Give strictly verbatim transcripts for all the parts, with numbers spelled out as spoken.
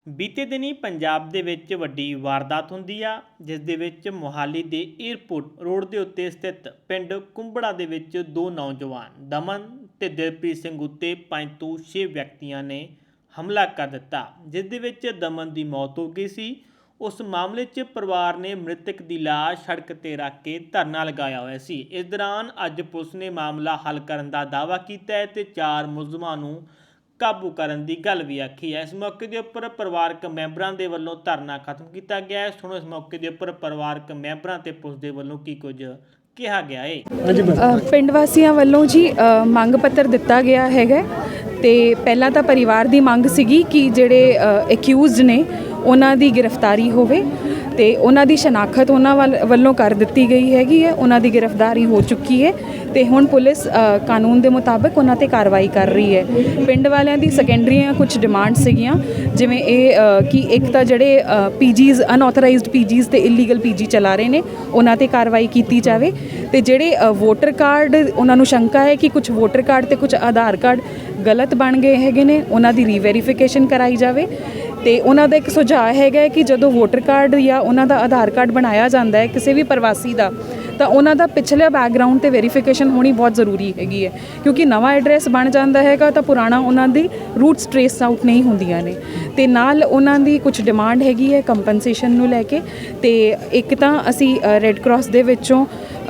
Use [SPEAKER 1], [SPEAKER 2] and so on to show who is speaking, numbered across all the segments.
[SPEAKER 1] ਬੀਤੇ ਦਿਨੀ ਪੰਜਾਬ ਦੇ ਵਿੱਚ ਵੱਡੀ ਵਾਰਦਾਤ ਹੁੰਦੀ ਆ ਜਿਸ ਦੇ ਵਿੱਚ ਮੋਹਾਲੀ ਦੇ ਏਅਰਪੋਰਟ ਰੋਡ ਦੇ ਉੱਤੇ ਸਥਿਤ ਪਿੰਡ ਕੁੰਬੜਾ ਦੇ ਵਿੱਚ ਦੋ ਨੌਜਵਾਨ ਦਮਨ ਤੇ ਦਿਲਪ੍ਰੀਤ ਸਿੰਘ ਉੱਤੇ ਪੰਜ ਤੋਂ ਛੇ ਵਿਅਕਤੀਆਂ ਨੇ ਹਮਲਾ ਕਰ ਦਿੱਤਾ, ਜਿਸ ਦੇ ਵਿੱਚ ਦਮਨ ਦੀ ਮੌਤ ਹੋ ਗਈ ਸੀ। ਉਸ ਮਾਮਲੇ 'ਚ ਪਰਿਵਾਰ ਨੇ ਮ੍ਰਿਤਕ ਦੀ ਲਾਸ਼ ਸੜਕ ਤੇ ਰੱਖ ਕੇ ਧਰਨਾ ਲਗਾਇਆ ਹੋਇਆ ਸੀ। ਇਸ ਦੌਰਾਨ ਅੱਜ ਪੁਲਿਸ ਨੇ ਮਾਮਲਾ ਹੱਲ ਕਰਨ ਦਾ ਦਾਅਵਾ ਕੀਤਾ ਹੈ ਤੇ ਚਾਰ ਮੁਲਜ਼ਮਾਂ ਨੂੰ ਕਾਬੂ ਕਰਨ ਦੀ ਗੱਲ भी आखी है। इस मौके के उपर परिवारक मैंबरां दे वल्लों धरना खत्म किया गया है। सुनो इस मौके के उपर परिवारक मैंबरां ते पुलिस दे वल्लों की कुछ कहा गया है।
[SPEAKER 2] पिंड वासियां वल्लों जी मंग पत्र दिता गया है ते पहला तो परिवार की मंग सीगी कि जिहड़े एक्यूज़ ने उन्हां दी गिरफ्तारी होवे ते उन्हां दी शनाखत उन्हां वल्लों कर दित्ती गई हैगी है। उन्हां दी गिरफ्तारी हो चुकी है ते हुण पुलिस कानून के मुताबिक उन्हां ते कार्रवाई कर रही है। पिंड वालियां दी सैकेंडरीਆਂ कुछ डिमांड सीगियां जिवें ये कि एक तो जिहड़े पीजीज़ अनऑथराइज्ड पीजीज़ ते इलीगल पीजी चला रहे ने उन्हां ते कार्रवाई कीती जावे ते जिहड़े वोटर कार्ड उन्हां नूं शंका है कि कुछ वोटर कार्ड ते कुछ आधार कार्ड गलत बन गए हैगे ने उन्हां दी रीवैरीफिकेशन कराई जावे। तो उन्होंने एक सुझाव है कि जो वोटर कार्ड या उन्होंने आधार कार्ड बनाया जाता है किसी भी प्रवासी का तो उन्होंने पिछले बैकग्राउंड तो वेरीफिकेशन होनी बहुत ज़रूरी हैगी है, क्योंकि नवा एड्रैस बन जाता है तो पुराना उन्होंने रूट्स ट्रेस आउट नहीं होंदियां ने। ते नाल उन्होंने कुछ डिमांड हैगी है कंपनसेशन नूं लैके ते एक तो असी रैड क्रॉस दे विचों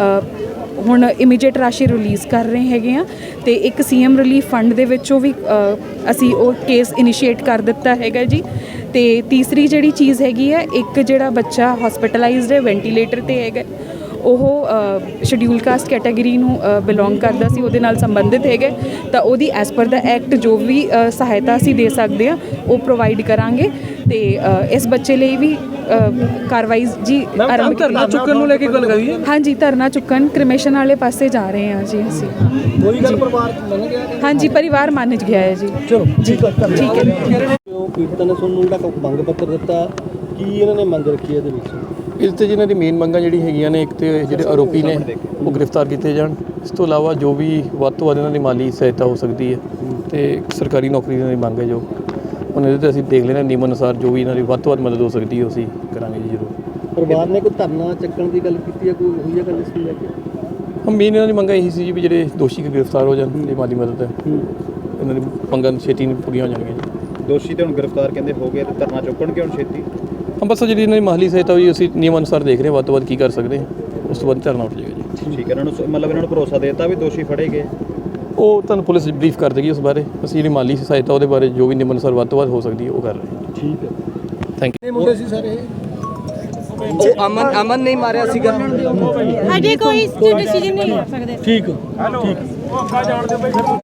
[SPEAKER 2] ਹੁਣ ਇਮੀਡੀਏਟ ਰਾਸ਼ੀ ਰਿਲੀਜ਼ ਕਰ ਰਹੇ ਹੈਗੇ ਆ ਤੇ ਇੱਕ ਸੀਐਮ ਰਿਲੀਫ ਫੰਡ ਦੇ ਵਿੱਚੋਂ ਵੀ ਅਸੀਂ ਉਹ ਕੇਸ ਇਨੀਸ਼ੀਏਟ ਕਰ ਦਿੱਤਾ ਹੈਗਾ ਜੀ। ਤੇ ਤੀਸਰੀ ਜਿਹੜੀ ਚੀਜ਼ ਹੈਗੀ ਹੈ, ਇੱਕ ਜਿਹੜਾ ਬੱਚਾ ਹਸਪੀਟਲਾਈਜ਼ਡ ਹੈ ਵੈਂਟੀਲੇਟਰ ਤੇ ਹੈਗਾ ਉਹ ਸ਼ਡਿਊਲ ਕਾਸਟ ਕੈਟਾਗਰੀ ਨੂੰ ਬਿਲੋਂਗ ਕਰਦਾ ਸੀ, ਉਹਦੇ ਨਾਲ ਸੰਬੰਧਿਤ ਹੈਗਾ ਤਾਂ ਉਹਦੀ ਐਸ ਪਰ ਦਾ ਐਕਟ ਜੋ ਵੀ ਸਹਾਇਤਾ ਅਸੀਂ ਦੇ ਸਕਦੇ ਆ ਉਹ ਪ੍ਰੋਵਾਈਡ ਕਰਾਂਗੇ। ਤੇ ਇਸ ਬੱਚੇ ਲਈ ਵੀ कार्रवाई जी आरंभ
[SPEAKER 3] धरना चुकन ਨੂੰ ਲੈ ਕੇ ਗੱਲ ਕਰੀ ਹੈ।
[SPEAKER 2] हाँ जी धरना चुकन क्रिमेशन वाले पासे जा रहे हैं जी ਅਸੀਂ
[SPEAKER 3] ਕੋਈ ਗੱਲ ਪਰਿਵਾਰ ਮੰਨ ਗਿਆ ਹੈ।
[SPEAKER 2] हाँ जी परिवार मान गया है जी।
[SPEAKER 3] ਚਲੋ
[SPEAKER 2] ठीक है।
[SPEAKER 3] ਕਿਉਂ ਪੀੜਤਾਂ ਨੇ ਤੁਹਾਨੂੰ ਜਿਹੜਾ ਮੰਗ ਪੱਤਰ ਦਿੱਤਾ ਕੀ ਇਹਨਾਂ ਨੇ ਮੰਗ ਰੱਖੀ ਇਹਦੇ ਵਿੱਚ?
[SPEAKER 4] ਇਸ ਤੇ ਜਿਹਨਾਂ ਦੀ ਮੇਨ ਮੰਗਾਂ ਜਿਹੜੀ ਹੈਗੀਆਂ ਨੇ, ਇੱਕ ਤੇ ਜਿਹੜੇ ਆਰੋਪੀ ਨੇ ਉਹ ਗ੍ਰਿਫਤਾਰ ਕੀਤੇ ਜਾਣ, ਇਸ ਤੋਂ ਇਲਾਵਾ ਜੋ ਵੀ ਵੱਧ ਤੋਂ ਵੱਧ ਇਹਨਾਂ ਦੀ ਮਾਲੀ ਸਹਾਇਤਾ ਹੋ ਸਕਦੀ ਹੈ ਤੇ ਸਰਕਾਰੀ ਨੌਕਰੀ ਦੀ ਮੰਗ ਹੈ ਜੋ ਉਹਨਾਂ ਦੇ ਅਸੀਂ ਦੇਖ ਲੈਣਾ ਨਿਯਮ ਅਨੁਸਾਰ ਜੋ ਵੀ ਇਹਨਾਂ ਦੀ ਵੱਧ ਤੋਂ ਵੱਧ ਮਦਦ ਹੋ ਸਕਦੀ ਹੈ ਅਸੀਂ ਕਰਾਂਗੇ ਜੀ ਜ਼ਰੂਰ।
[SPEAKER 3] ਪਰਿਵਾਰ ਨੇ ਕੋਈ ਧਰਨਾ ਚੱਕਣ ਦੀ ਗੱਲ ਕੀਤੀ ਹੈ, ਕੋਈ ਹੋਈ ਹੈ ਗੱਲ ਇਸ ਨੂੰ ਲੈ ਕੇ?
[SPEAKER 4] ਹਾਂ ਮੇਨ ਇਹਨਾਂ ਦੀ ਮੰਗਾਂ ਇਹੀ ਸੀ ਜੀ ਵੀ ਜਿਹੜੇ ਦੋਸ਼ੀ ਗ੍ਰਿਫਤਾਰ ਹੋ ਜਾਣ ਤੇ ਮਾਲੀ ਮਦਦ ਹੈ ਇਹਨਾਂ ਦੀ ਮੰਗਾਂ ਛੇਤੀ ਨਹੀਂ ਪੂਰੀਆਂ ਹੋ ਜਾਣਗੀਆਂ ਜੀ।
[SPEAKER 5] ਦੋਸ਼ੀ ਤੇ ਹੁਣ ਗ੍ਰਿਫਤਾਰ ਕਹਿੰਦੇ ਹੋ ਗਏ ਤੇ ਧਰਨਾ ਚੁੱਕਣ ਕਿ ਹੁਣ ਛੇਤੀ?
[SPEAKER 4] ਹਾਂ ਬਸ ਜਿਹੜੀ ਇਹਨਾਂ ਦੀ ਮਾਲੀ ਸਹਾਇਤਾ ਹੋਈ ਅਸੀਂ ਨਿਯਮ ਅਨੁਸਾਰ ਦੇਖ ਰਹੇ ਹਾਂ ਵੱਧ ਤੋਂ ਵੱਧ ਕੀ ਕਰ ਸਕਦੇ ਹਾਂ, ਉਸ ਤੋਂ ਬਾਅਦ ਧਰਨਾ ਉੱਠ ਜਾਏਗਾ ਜੀ।
[SPEAKER 5] ਠੀਕ ਹੈ, ਇਹਨਾਂ ਨੂੰ ਮਤਲਬ ਇਹਨਾਂ ਨੂੰ ਭਰੋਸਾ ਦੇ ਦਿੱਤਾ ਵੀ ਦੋਸ਼ੀ ਫੜੇ ਗਏ?
[SPEAKER 4] ਉਹ ਤੁਹਾਨੂੰ ਪੁਲਿਸ ਬਰੀਫ ਕਰ ਦੇਗੀ ਉਸ ਬਾਰੇ। ਅਸੀਂ ਜਿਹੜੀ ਮਾਲੀ ਸਹਾਇਤਾ ਉਹਦੇ ਬਾਰੇ ਜੋ ਵੀ ਨਿਯਮ ਅਨੁਸਾਰ ਵੱਧ ਤੋਂ ਵੱਧ ਹੋ ਸਕਦੀ ਹੈ ਉਹ ਕਰ ਰਹੇ ਹਾਂ।
[SPEAKER 3] ਠੀਕ ਹੈ,
[SPEAKER 4] ਥੈਂਕ ਯੂ।
[SPEAKER 3] ਇਹ ਮੁੰਡੇ ਸੀ ਸਾਰੇ
[SPEAKER 6] ਉਹ ਅਮਨ ਅਮਨ ਨਹੀਂ ਮਾਰਿਆ ਸੀਗਾ
[SPEAKER 7] ਹਜੇ ਕੋਈ ਡਿਸੀਜਨ ਨਹੀਂ ਲੈ ਸਕਦੇ।
[SPEAKER 3] ਠੀਕ ਠੀਕ